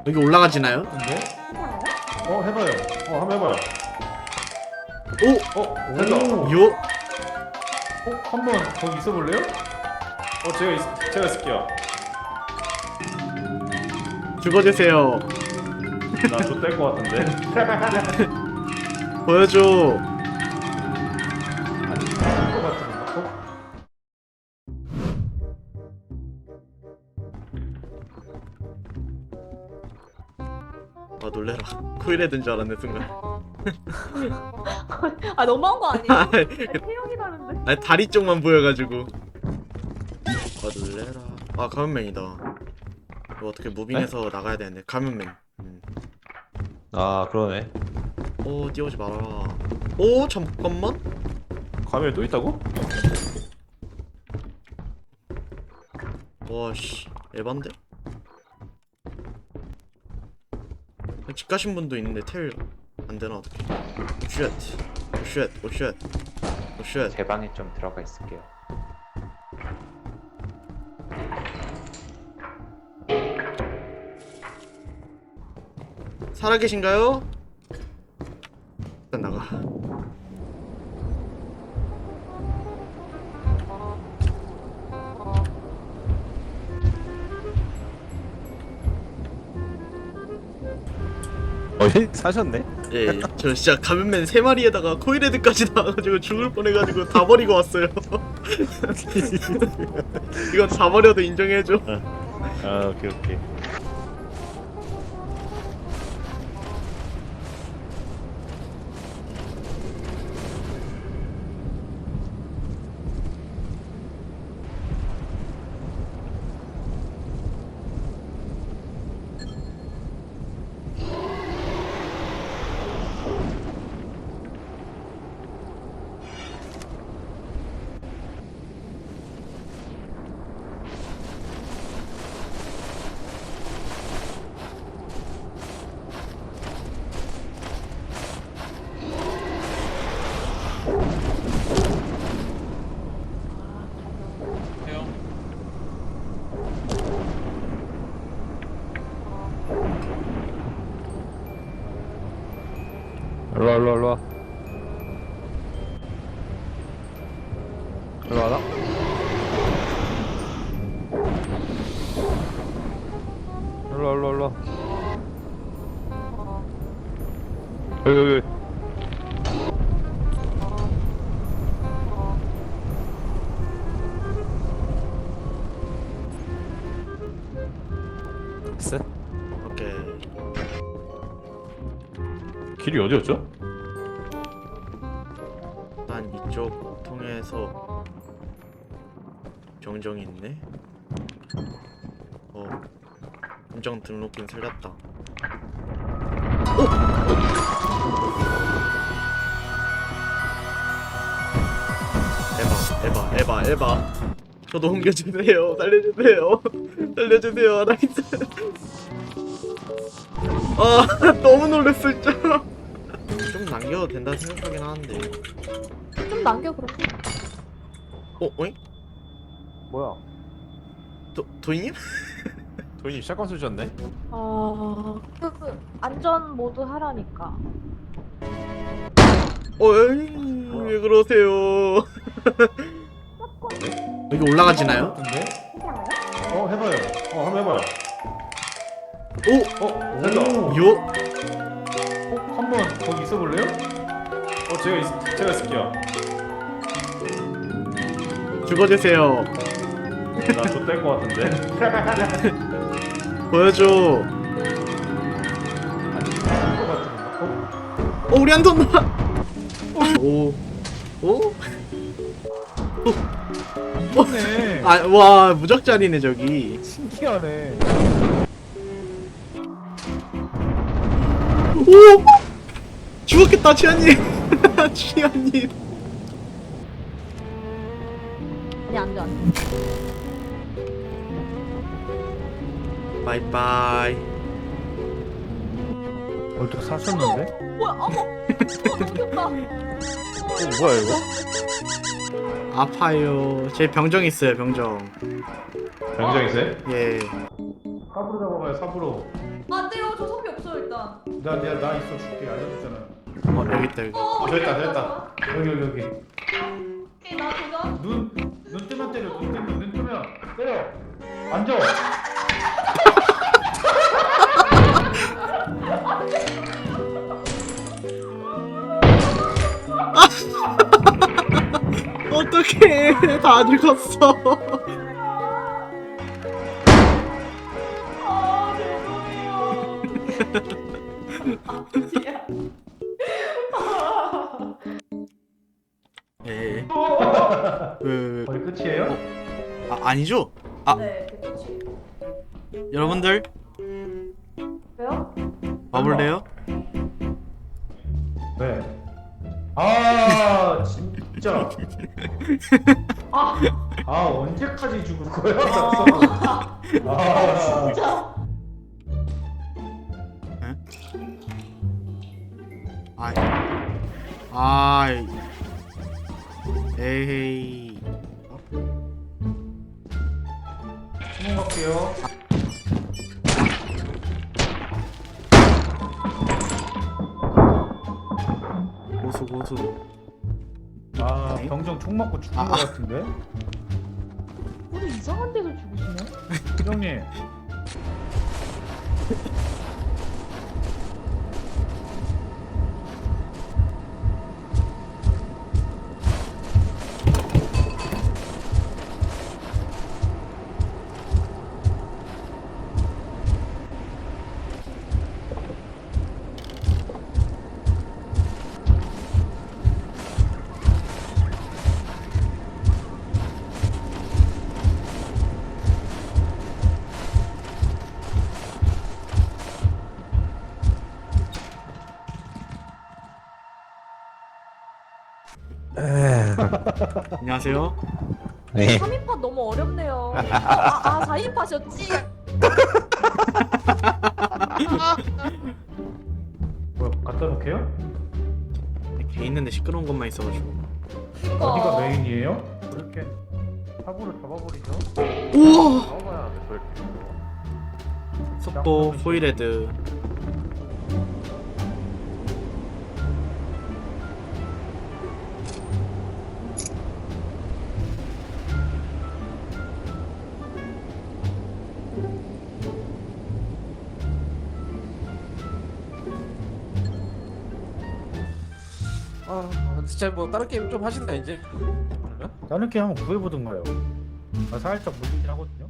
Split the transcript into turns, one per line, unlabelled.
여기 올라가지나요?
근데? 해봐요. 한번 해봐요.
오!
된다.
요?
한번 거기 있어볼래요? 제가 있을게요.
죽어주세요.
나 좆될 것 같은데.
보여줘.
것 같은데.
아 놀래라. 코일에 든 줄 알았네 순간.
아 너무한 거 아니야?
아니,
태영이 다른데.
아니 다리 쪽만 보여가지고. 아 놀래라. 아 가면맨이다. 이거 어떻게 무빙해서 나가야 되는데 가면맨.
아 그러네.
오 뛰어오지 말아라. 오 잠깐만.
가면이 또 있다고?
와씨 에반데? 집 가신 분도 있는데 텔 안되나 어떡해. 쉣. 쉣. 쉣. 쉣.
제 방에 좀 들어가 있을게요.
살아계신가요? 일단 나가.
사셨네?
예, 저 진짜 가면맨 3마리에다가 코일헤드까지 나와가지고 죽을 뻔해가지고 다 버리고 왔어요. 이건 다 버려도 인정해줘.
아 오케이. 일로와. 일로 와라. 일로. 여기. 됐어?
오케이.
길이 어디였죠?
난 이쪽 통해서 병정이 있네. 함정 등록금 살렸다. 에바. 저도 옮겨주세요. 살려주세요. 살려주세요. 나이스. 아 너무 놀랬어 진짜. 좀 남겨도 된다 생각하긴 하는데.
좀 남겨 그럼.
어잉?
뭐야?
도희님?
도인이 샷건 쏘셨네?
그 안전 모드 하라니까.
어잉 왜 그러세요? 여기 올라가지나요?
근데? 해봐요. 한번 해봐요.
오!
된다.
요?
한번 거기 있어볼래요? 제가 있을게요.
죽어주세요.
나 좆될 것 같은데.
보여줘.
것 같은데.
우리 안 돈다. 오. 오?
네.
와 무적자리네 저기.
신기하네.
오! 죽었겠다 치아님. 치아님.
아니 안 돼.
바이바이.
어떻게 사셨는데?
뭐야? 어머. 죽겠다.
뭐야 이거?
아파요. 제 병정 있어요 병정.
병장 있어요?
예.
삽으로 잡아봐요 삽으로.
안 돼요. 저 선비 없어요 일단.
나 있어 줄게 알려줬잖아.
여기 있다 여기.
됐다. 여기.
오케이 나 도전.
눈 뜨면 때려. 눈 뜨면 때려. 앉아.
어떡해 다 죽었어.
아 죄송해요. 아니야.
에. 왜?
거의 끝이에요?
아니죠?
네, 그치.
여러분들
왜요?
와볼래요?
왜? 아 진짜.
아,
언제까지 죽을 거야?
진짜.
아이. 에이.
수능 갈게요.
고수.
병정 총 맞고 죽은 거 같은데?
우리 이상한 데서 죽으시네.
형님.
안녕하세요.
네.
3인팟 너무 어렵네요. 4인팟이었지?
뭐야 갖다 놓게요?
개 있는데 시끄러운 것만 있어가지고.
어디가 메인이에요? 그렇게 삽으로 잡아버리죠.
우와.
잡아봐야 돼 저렇게.
속보 호이레드.
진짜 뭐 다른 게임 좀 하신다 이제. 그러면?
다른 게 한번 구해보던가요. 살짝 물리긴 하거든요.